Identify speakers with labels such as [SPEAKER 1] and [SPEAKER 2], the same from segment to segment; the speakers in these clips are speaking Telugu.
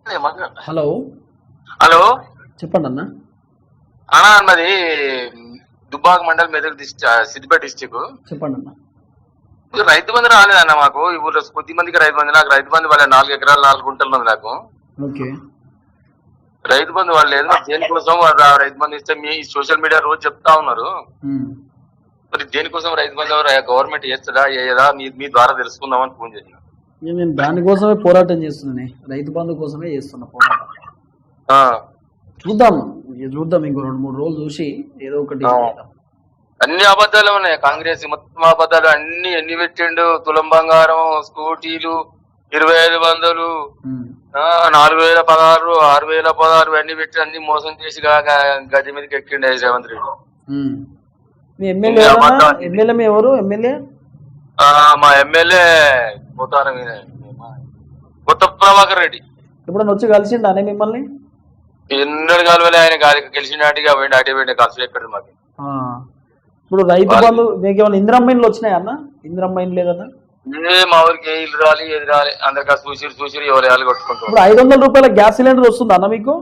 [SPEAKER 1] హలో
[SPEAKER 2] హలో
[SPEAKER 1] చెప్పండి అన్న.
[SPEAKER 2] అన్నా అన్నది దుబ్బాక మండల్ మెదక్ సిద్దిపేట డిస్టిక్.
[SPEAKER 1] చెప్పండి అన్న.
[SPEAKER 2] రైతు బంధు రాలేదన్న మాకు. ఈ ఊర్లో కొద్ది మందికి రైతు బంధు. నాకు రైతు బంధు వాళ్ళ 4 ఎకరాలు 4 గుంటలు ఉంది నాకు.
[SPEAKER 1] ఓకే.
[SPEAKER 2] రైతు బంధు వాళ్ళు లేదు. దేనికోసం రైతు బంధు ఇస్తే మీ సోషల్ మీడియా రోజు చెప్తా ఉన్నారు. మరి దేనికోసం రైతు బంధు గవర్నమెంట్ చేస్తుందా చేయదా మీ ద్వారా తెలుసుకుందామని ఫోన్ చేసిన.
[SPEAKER 1] నేను దానికోసమే పోరాటం చేస్తున్నాను. రైతు బంధు కోసమే చేస్తున్నా పోరాటం. చూద్దాం ఇంకో 2-3 రోజులు చూసి ఏదో ఒకటి.
[SPEAKER 2] అన్ని అబద్ధాలు ఉన్నాయి. కాంగ్రెస్ మొత్తం అబద్ధాలు అన్ని. ఎన్ని పెట్టిండు? తులం బంగారం, స్కూటీలు, 2500, 4016, 6016 అన్ని పెట్టి అన్ని మోసం చేసి గది మీదకి ఎక్కిండు రేవంత్ రెడ్డి.
[SPEAKER 1] మీ ఎమ్మెల్యే ఎవరు? ఎమ్మెల్యే
[SPEAKER 2] మా ఎమ్మెల్యే పోతారం కొత్త ప్రభాకర్ రెడ్డి.
[SPEAKER 1] ఎప్పుడన్నా వచ్చి కలిసిండు అనే మిమ్మల్ని?
[SPEAKER 2] ఎన్నడు కలవలే. ఆయన గెలిచినట్టుగా పోయిండు. అటే పోయిండు. కలిసి ఎక్కడ మాకు.
[SPEAKER 1] ఇప్పుడు రైతు బంధు మీకు ఏమైనా ఇందిరమ్మైన్లు వచ్చినాయా అన్న? ఇందిరమ్మైన్ లేదన్నా?
[SPEAKER 2] మా ఊరికి ఇల్లు రాలి ఏది రాలి. అందరికీ చూసిరు ఎవరు కొట్టుకుంటారు.
[SPEAKER 1] ఇప్పుడు 500 రూపాయల గ్యాస్ సిలిండర్ వస్తుంది అన్న మీకు?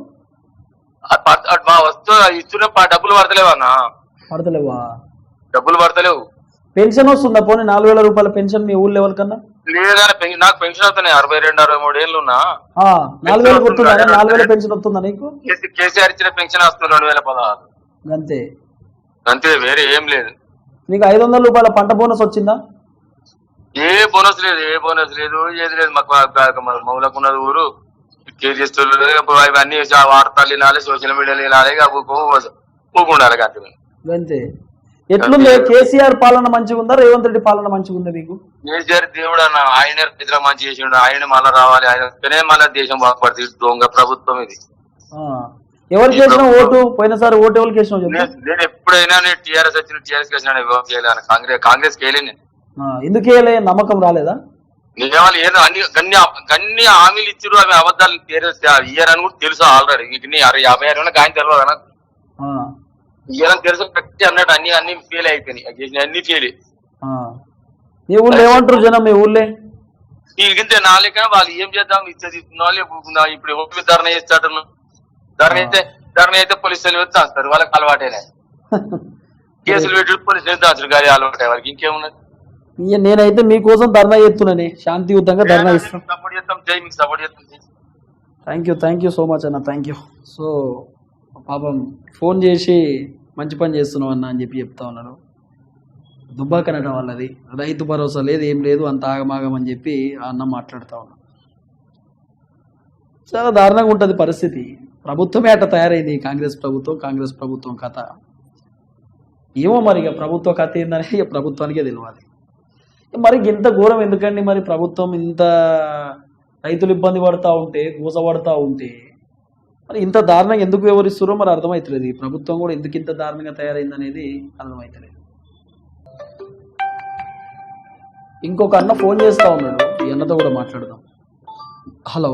[SPEAKER 2] మా వస్తు ఇస్తున్న డబ్బులు పడతలేవన్నా.
[SPEAKER 1] పడతలేవా?
[SPEAKER 2] డబ్బులు పడతలేవు.
[SPEAKER 1] పెన్షన్ వస్తుందా? పోనీ 4000 రూపాయల పెన్షన్ మీ ఊళ్ళో ఎవరికన్నా?
[SPEAKER 2] లేదని నాకు పెన్షన్ వస్తున్నాయి. 62-63 ఏళ్ళు ఉన్నా.
[SPEAKER 1] 4000 వస్తుందా? 4000 పెన్షన్ వస్తుందా నీకు?
[SPEAKER 2] కేసీఆర్ ఇచ్చిన పెన్షన్ వస్తుంది 2016.
[SPEAKER 1] అంతే
[SPEAKER 2] అంతే, వేరే ఏం లేదు.
[SPEAKER 1] నీకు 500 రూపాయల పంట బోనస్ వచ్చిందా?
[SPEAKER 2] ఏ బోనస్ లేదు. ఏది లేదు. మాకు మౌలకున్నది ఊరు. కేజీస్తులు అవన్నీ వార్తలు వినాలి, సోషల్ మీడియాలో వినాలి, ఊకుండాలి.
[SPEAKER 1] అంతే. ఎట్లుంది కేసీఆర్ పాలన మంచిగా ఉందా? రేవంత్ రెడ్డి పాలన మంచిగా ఉందా మీకు?
[SPEAKER 2] కేసీఆర్ దేవుడు అన్న. ఆయన రైతుల మంచి చేసిండు. ఆయన మళ్ళా రావాలి. ఆయన మళ్ళా దేశం బాగుపడుతుంది. దొంగ ప్రభుత్వం ఇది.
[SPEAKER 1] ఎవరికి వేసిన ఓటు? పోయినసారి ఓటు ఎవరికి వేసిన?
[SPEAKER 2] నేను ఎప్పుడైనా టీఆర్ఎస్ వచ్చిన టీఆర్ఎస్ కాంగ్రెస్ వేయలేను.
[SPEAKER 1] ఎందుకు వేయలే? నమ్మకం రాలేదా?
[SPEAKER 2] నిజాలు ఏదో అన్ని హామీలు ఇచ్చారు. అవి అబద్ధాలు ఇయ్యారని కూడా తెలుసు ఆల్రెడీ. 56 ఏళ్ళ ఆయన తెలియదు కదా. ఇయ్యారని తెలుసు అన్నట్టు అన్ని ఫెయిల్ అయిపోయినాయి. అన్ని ఫెయిల్.
[SPEAKER 1] మీ ఊళ్ళో ఏమంటారు జనం? మీ ఊళ్ళే
[SPEAKER 2] ఇంతే నాలుక వాళ్ళు ఏం చేద్దాం ఇచ్చేది ఇస్తున్నా. ఇప్పుడు ఓటు ధరణ చేస్తాడు. ధరణ అయితే పోలీసులు దాస్తారు. వాళ్ళకి అలవాటేనా? కేసులు పెట్టి పోలీసులు దాచుడు గాలి అలవాటే వాళ్ళకి. ఇంకేమున్నది?
[SPEAKER 1] నేనైతే మీకోసం ధర్నా చేస్తున్నాను. శాంతియుతంగా ధర్నా ఇస్తాను.
[SPEAKER 2] సపోర్ట్ చేస్తాం. జై మీకు సపోర్ట్ చేస్తాం.
[SPEAKER 1] థ్యాంక్ యూ సో మచ్ అన్న. Thank you. సో పాపం ఫోన్ చేసి మంచి పని చేస్తున్నావు అన్న అని చెప్తా ఉన్నాను. దుబ్బాకనట వాళ్ళది. రైతు భరోసా లేదు, ఏం లేదు, అంత ఆగమాగం అని చెప్పి ఆ అన్న మాట్లాడుతూ ఉన్నాను. చాలా దారుణంగా ఉంటుంది పరిస్థితి. ప్రభుత్వమే అట్లా తయారైంది. కాంగ్రెస్ ప్రభుత్వం కథ ఏమో. మరి ఇక ప్రభుత్వ కథ ఏందని ఇక ప్రభుత్వానికే తెలియాలి. మరి ఇంత ఘోరం ఎందుకండి? మరి ప్రభుత్వం ఇంత రైతులు ఇబ్బంది పడతా ఉంటే, గోసపడతా ఉంటే మరి ఇంత దారుణంగా ఎందుకు వివరిస్తారో మరి అర్థమవుతలేదు. ఈ ప్రభుత్వం కూడా ఎందుకు ఇంత దారుణంగా తయారైంది అనేది అర్థమవుతలేదు. ఇంకొక అన్న ఫోన్ చేస్తా ఉన్నాడు. ఈ అన్నతో కూడా మాట్లాడదాం. హలో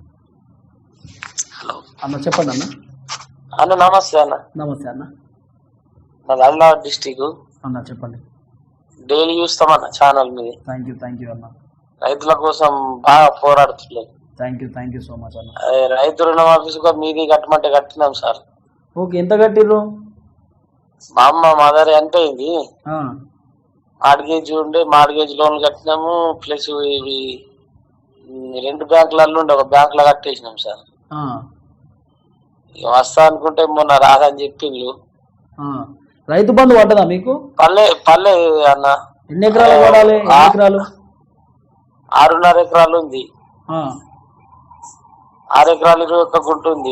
[SPEAKER 1] అన్న, చెప్పండి అన్న.
[SPEAKER 3] నమస్తే అన్న.
[SPEAKER 1] నమస్తే అన్న.
[SPEAKER 3] నాది ఆదిలాబాద్ డిస్టిక్
[SPEAKER 1] అన్న. చెప్పండి.
[SPEAKER 3] డైలీ చూస్తామన్న ఛానల్ మీద.
[SPEAKER 1] థ్యాంక్ యూ అన్న.
[SPEAKER 3] రైతుల కోసం బాగా పోరాడుతున్నారు.
[SPEAKER 1] థ్యాంక్ యూ సో మచ్ అన్న.
[SPEAKER 3] రైతు రుణమాఫీ మీది కట్టమంటే కట్టినాం సార్.
[SPEAKER 1] ఓకే. ఎంత కట్టిర్రు?
[SPEAKER 3] మా అమ్మ మదర్ చనిపోయింది. మార్గేజ్ లోన్లు కట్టినాము. ప్లస్ ఇవి 2 బ్యాంకులలో ఉండే ఒక బ్యాంక్ లో కట్టేసినాం సార్. వస్తా అనుకుంటే మొన్న రాదని చెప్పిండ్రు.
[SPEAKER 1] రైతు బంధు పడ్డదా మీకు?
[SPEAKER 3] పల్లె అన్న.
[SPEAKER 1] ఎన్ని ఎకరాలు పడాలి?
[SPEAKER 3] 6.5 ఎకరాలు ఉంది. 6 ఎకరాలు 21 గుంట ఉంది.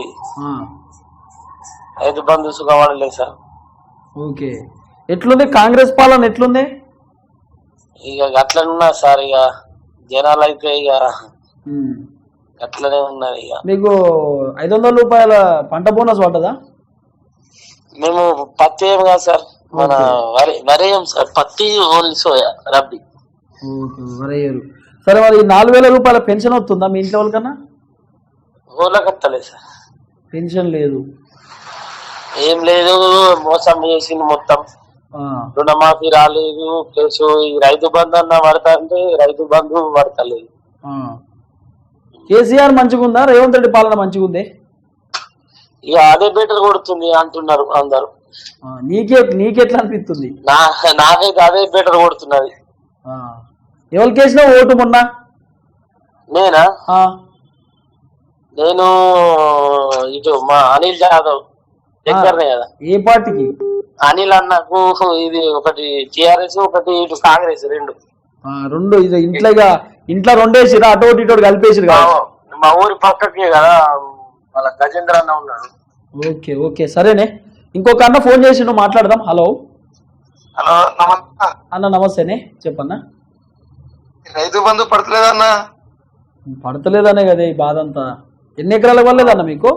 [SPEAKER 3] రైతు బంధు సుఖపడలేదు సార్.
[SPEAKER 1] ఓకే. ఎట్లుంది కాంగ్రెస్ పాలన? ఎట్లుంది?
[SPEAKER 3] ఇక అట్లనే ఉన్నారు సార్. ఇక జనాలు అయితే ఇక అట్లనే ఉన్నారు. ఇక మీకు
[SPEAKER 1] 500 రూపాయల పంట బోనస్ పడ్డదా?
[SPEAKER 3] మేము పత్తి ఏం కాదు సార్, మన వరి సార్. పత్తి ఓన్లీ సోయా రబ్బీ.
[SPEAKER 1] సరే, మరి 4000 రూపాయల పెన్షన్ వస్తుందా మీ ఇంట్లో వాళ్ళకన్నా?
[SPEAKER 3] ఊళ్ళకి వస్తలేదు సార్.
[SPEAKER 1] పెన్షన్ లేదు,
[SPEAKER 3] ఏం లేదు. మోసం చేసింది మొత్తం. రుణమాఫీ రాలేదు. ప్లస్ ఈ రైతు బంధు అన్న పడతా అంటే రైతు బంధు పడతలేదు.
[SPEAKER 1] కేసీఆర్ మంచిగుందా రేవంత్ రెడ్డి పాలన మంచిగుందే?
[SPEAKER 3] ఇక అదే బెటర్ కొడుతుంది అంటున్నారు అందరు.
[SPEAKER 1] నీకెట్లా అనిపిస్తుంది?
[SPEAKER 3] నాకైతే అదే బెటర్ కొడుతున్నది.
[SPEAKER 1] ఎవరికి వేసినా ఓటు మొన్న?
[SPEAKER 3] నేనా? నేను ఇటు మా అనిల్ జాదవ్ దగ్గరనే కదా.
[SPEAKER 1] ఏ పార్టీకి?
[SPEAKER 3] అనిల్ అన్నకు ఇది ఒకటి టిఆర్ఎస్, ఒకటి ఇటు కాంగ్రెస్, రెండు
[SPEAKER 1] ఇది ఇంట్లో రెండేసిరా, అటు ఇటు కలిపేసిరు కదా.
[SPEAKER 3] మా ఊరి పక్కకే కదా వాళ్ళ గజేంద్ర అన్న ఉన్నాడు.
[SPEAKER 1] ఓకే ఓకే సరేనే. ఇంకొక అన్న ఫోన్ చేసి మాట్లాడదాం. హలో
[SPEAKER 2] హలో
[SPEAKER 1] అన్న, నమస్తేనే, చెప్పన్నా.
[SPEAKER 2] రైతు బంధు పడతలేదన్నా?
[SPEAKER 1] పడతలేదనే కదా ఈ బాధ అంతా. ఎన్ని ఎకరాల వల్లేదన్న మీకు?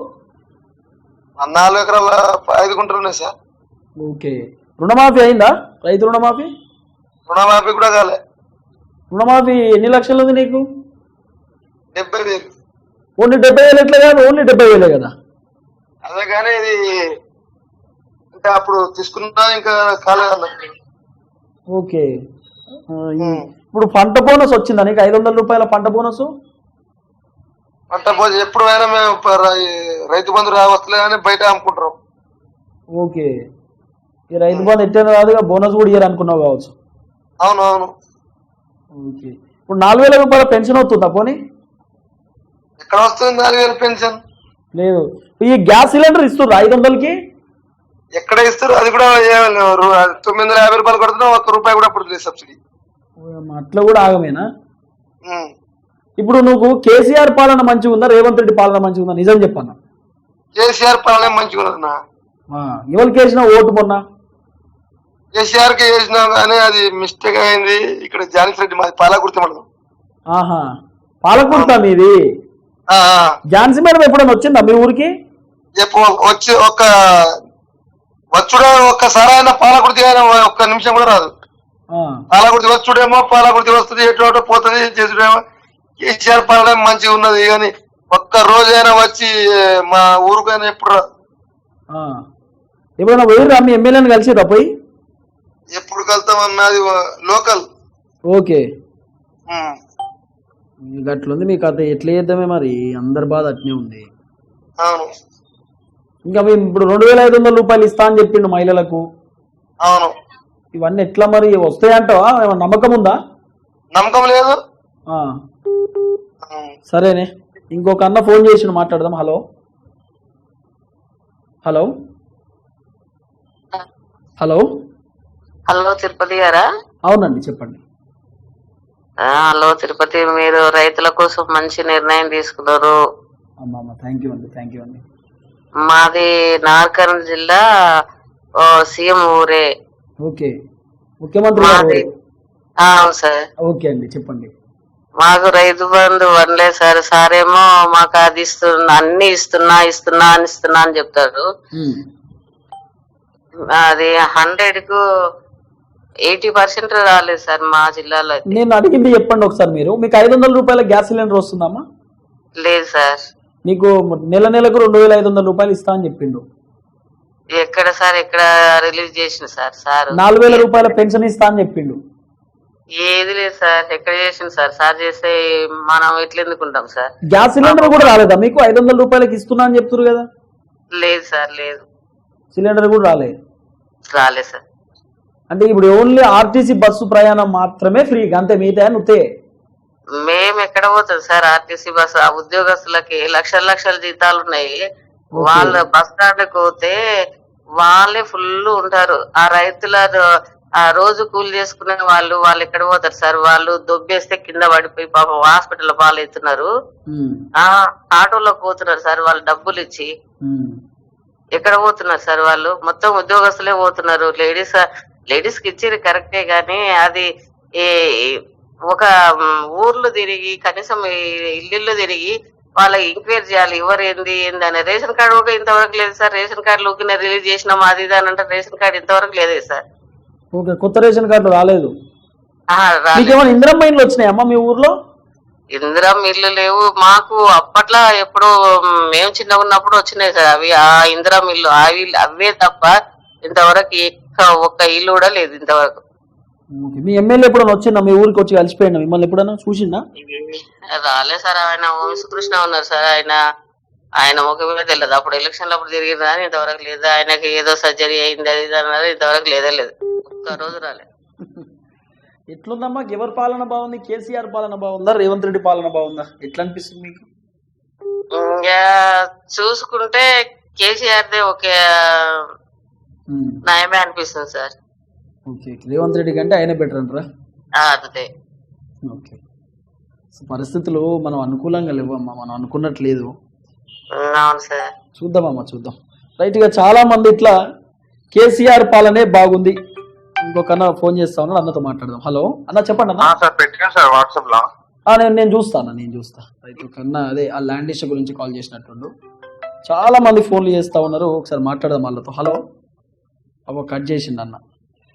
[SPEAKER 2] 4 ఎకరాల 5 గుంటలు ఉన్నాయి సార్.
[SPEAKER 1] ఓకే. రుణమాఫీ అయిందా? రైతు రుణమాఫీ?
[SPEAKER 2] రుణమాఫీ కూడా కాలే.
[SPEAKER 1] రుణమాఫీ ఎన్ని లక్షలు ఉంది నీకు?
[SPEAKER 2] 70,000.
[SPEAKER 1] ఓన్లీ 70,000 ఎట్లా కాదు? ఓన్లీ 70,000 కదా.
[SPEAKER 2] అదే కానీ ఇది ఇంకా అప్పుడు తీసుకున్నా ఇంకా కాలేదన్న.
[SPEAKER 1] ఓకే. ఇప్పుడు పంట బోనస్ వచ్చిందా నీకు? 500 రూపాయల పంట బోనస్.
[SPEAKER 2] పంట బోనస్ ఎప్పుడు అయినా మేము రైతు బంధు వస్తలే అని బయట అమ్ముకుంటాం.
[SPEAKER 1] ఓకే. ఈ రైతు బంధు ఎట్టేది కాదుగా, బోనస్ కూడా ఇయ్యారు అనుకున్నావు కావచ్చు.
[SPEAKER 2] అవును అవును.
[SPEAKER 1] ఓకే. ఇప్పుడు 4,000 రూపాయల పెన్షన్ వస్తుందా? పోనీ
[SPEAKER 2] ఎక్కడ వస్తుంది 4,000 పెన్షన్?
[SPEAKER 1] లేదు. ఈ గ్యాస్ సిలిండర్ ఇస్తుర్రా 500కి?
[SPEAKER 2] ఎక్కడ ఇస్తారు? అది కూడా 950 రూపాయలు కొడుతున్నా, ₹1 కూడా పడుతుంది సబ్సిడీ.
[SPEAKER 1] అట్లా కూడా ఆగమేనా? ఇప్పుడు నువ్వు కేసీఆర్ పాలన మంచిగా ఉందా రేవంత్ రెడ్డి పాలన మంచిగా ఉందా? నిజం చెప్పన్నా.
[SPEAKER 2] కేసీఆర్ పాలన మంచిగా ఉన్నదన్నా.
[SPEAKER 1] ఎవరికి వేసినా ఓటు మొన్న?
[SPEAKER 2] కేసీఆర్ కి వేసినా కానీ అది మిస్టేక్ అయింది. ఇక్కడ జానకి రెడ్డి మాది పాలకుర్తి మండలం.
[SPEAKER 1] ఆహా, పాలకుర్తా మీది? ఝాన్సీ మేడం ఎప్పుడైనా వచ్చిందా మీ ఊరికి?
[SPEAKER 2] వచ్చి వచ్చుడే ఒక్కసారి అయినా పాలకుర్తి అయినా ఒక్క నిమిషం కూడా రాదు. పాలకుర్తి వచ్చుడేమో పాలకుర్తి వస్తుంది, ఎటు పోతుంది చేసుడేమో. కేసీఆర్ పాలన మంచిగా ఉన్నది కానీ ఒక్క రోజైనా వచ్చి మా ఊరికైనా ఎప్పుడు రాదు.
[SPEAKER 1] ఎప్పుడైనా పోయిర్రా మీ ఎమ్మెల్యేని కలిసిరా? పోయి
[SPEAKER 2] ఎప్పుడు కలుతామన్నా, అది లోకల్.
[SPEAKER 1] ఓకే. అట్లుంది మీ కథ. ఎట్లా చేద్దామే మరి, అందరి బాధ అట్నే ఉంది.
[SPEAKER 2] అవును.
[SPEAKER 1] ఇంకా మేము ఇప్పుడు 2,500 రూపాయలు ఇస్తా అని చెప్పిండు మహిళలకు.
[SPEAKER 2] అవును.
[SPEAKER 1] ఇవన్నీ ఎట్లా మరి వస్తాయంటావా? ఏమన్నా నమ్మకం ఉందా?
[SPEAKER 2] నమ్మకం లేదు.
[SPEAKER 1] సరేనే. ఇంకొక అన్న ఫోన్ చేసి మాట్లాడదాం. Hello hello hello
[SPEAKER 4] hello Tirupati గారా?
[SPEAKER 1] అవునండి, చెప్పండి.
[SPEAKER 4] హలో తిరుపతి, మీరు రైతుల కోసం మంచి నిర్ణయం తీసుకున్నారు.
[SPEAKER 1] థ్యాంక్ యూ అండి, థ్యాంక్ యూ అండి.
[SPEAKER 4] మాది నార్కర్నూలు జిల్లా, సీఎం ఊరే.
[SPEAKER 1] ఓకే. ముఖ్యమంత్రి?
[SPEAKER 4] అవును సార్.
[SPEAKER 1] ఓకే అండి, చెప్పండి.
[SPEAKER 4] మాకు రైతు బంధు వనలే సార్. సారేమో మాకు అది అన్ని ఇస్తున్నా అని చెప్తారు. అది 100కు 80% రాలేదు సార్ మా జిల్లాలో.
[SPEAKER 1] నేను అడిగింది చెప్పండి ఒకసారి. మీకు 500 రూపాయల గ్యాస్ సిలిండర్ వస్తుందమ్మా?
[SPEAKER 4] లేదు సార్.
[SPEAKER 1] నీకు నెలకు 2,500 రూపాయలు ఇస్తా అని చెప్పిండు.
[SPEAKER 4] ఎక్కడ సార్? ఎక్కడ రిలీజ్ చేసిన సార్?
[SPEAKER 1] 4,000 రూపాయల పెన్షన్ ఇస్తా అని చెప్పిండు.
[SPEAKER 4] ఏది లేదు సార్. ఎక్కడ చేసింది సార్? సార్ చేస్తే మనం ఎట్లా ఎందుకుంటాం సార్?
[SPEAKER 1] గ్యాస్ సిలిండర్ కూడా రాలేదా మీకు? 500 రూపాయలకి ఇస్తున్నా అని చెప్తున్నారు కదా.
[SPEAKER 4] లేదు సార్, లేదు.
[SPEAKER 1] సిలిండర్ కూడా రాలేదు
[SPEAKER 4] సార్.
[SPEAKER 1] అంటే ఇప్పుడు ఓన్లీ ఆర్టీసీ బస్సు ప్రయాణం మాత్రమే ఫ్రీ, అంతే, మిగతా నువ్వే.
[SPEAKER 4] మేము ఎక్కడ పోతుంది సార్ ఆర్టీసీ బస్సు? ఆ ఉద్యోగస్తులకి లక్షల జీతాలు ఉన్నాయి. వాళ్ళు బస్ స్టాండ్కి పోతే వాళ్ళే ఫుల్ ఉంటారు. ఆ రైతుల ఆ రోజు కూలి చేసుకునే వాళ్ళు ఎక్కడ పోతారు సార్? వాళ్ళు దొబ్బేస్తే కింద పడిపోయి పాపం హాస్పిటల్ పాలవుతున్నారు. ఆటోలోకి పోతున్నారు సార్ వాళ్ళు డబ్బులు ఇచ్చి. ఎక్కడ పోతున్నారు సార్? వాళ్ళు మొత్తం ఉద్యోగస్తులే పోతున్నారు. లేడీస్ కి ఇచ్చేది కరెక్టే గానీ అది ఒక ఊర్లు తిరిగి కనీసం ఇల్లు తిరిగి వాళ్ళకి ఎంక్వైరీ చేయాలి. ఎవరు ఏంది అని. రేషన్ కార్డు కూడా ఇంతవరకు లేదు సార్. రేషన్ కార్డు ఊకిన రిలీజ్ చేసినాం అది ఇది అని అంటే రేషన్ కార్డు ఇంతవరకు లేదే సార్.
[SPEAKER 1] కొత్త రేషన్ కార్డు రాలేదు. ఇందిరమ్మ ఇల్లు వచ్చినాయమ్మా మీ ఊర్లో?
[SPEAKER 4] ఇందిరమ్మ ఇల్లు లేవు మాకు. అప్పట్లో ఎప్పుడు మేము చిన్నగా ఉన్నప్పుడు వచ్చినాయి సార్ అవి. ఆ ఇందిరమ్మ ఇల్లు అవే తప్ప ఇంతవరకు ఒక్క ఇల్లు కూడా లేదు ఇంతవరకు.
[SPEAKER 1] ఓకే. మీ ఎమ్మెల్యే ఎప్పుడైనా వచ్చిందా మీ ఊరికి వచ్చి కలిసిపోయినా మిమ్మల్ని ఎప్పుడైనా చూసిందా?
[SPEAKER 4] రాలే సార్. ఆయన వంశకృష్ణ ఉన్నారు సార్. ఆయన ముఖమే తెలియదు. అప్పుడు ఎలక్షన్లు అప్పుడు తిరిగిరా అని ఇంతవరకు లేదు. ఆయనకి ఏదో సర్జరీ అయింది అది ఇది అన్నారు, ఇంతవరకు లేదే లేదు. ఒక్క రోజు రాలే.
[SPEAKER 1] ఎట్లుందమ్మా? ఎవరి పాలన బాగుంది? కేసీఆర్ పాలన బాగుందా, రేవంత్ రెడ్డి పాలన బాగుందా? ఎట్లా అనిపిస్తుంది మీకు?
[SPEAKER 4] ఇంకా చూసుకుంటే కేసీఆర్దే ఒకే నయమే అనిపిస్తుంది సార్.
[SPEAKER 1] ఓకే. రేవంత్ రెడ్డి కంటే ఆయనే బెటర్ అంటారా?
[SPEAKER 4] అదే.
[SPEAKER 1] ఓకే. పరిస్థితులు మనం అనుకూలంగా లేవమ్మా, మనం అనుకున్నట్లేదు.
[SPEAKER 4] అవును సార్.
[SPEAKER 1] చూద్దామమ్మా, చూద్దాం. రైట్గా చాలా మంది ఇట్లా కేసీఆర్ పాలనే బాగుంది. ఇంకొక అన్న ఫోన్ చేస్తా ఉన్నాడు, అన్నతో మాట్లాడదాం. హలో అన్న, చెప్పండి అన్న.
[SPEAKER 2] సార్ పెట్టినా సార్ వాట్సాప్ లో.
[SPEAKER 1] నేను చూస్తా. రైట్. ఒక అన్న అదే ఆ ల్యాండ్ ఇష్యూ గురించి కాల్ చేసినట్టుండు. చాలా మంది ఫోన్లు చేస్తా ఉన్నారు, ఒకసారి మాట్లాడదాం వాళ్ళతో. హలో, అవ కట్ చేసిండు అన్న.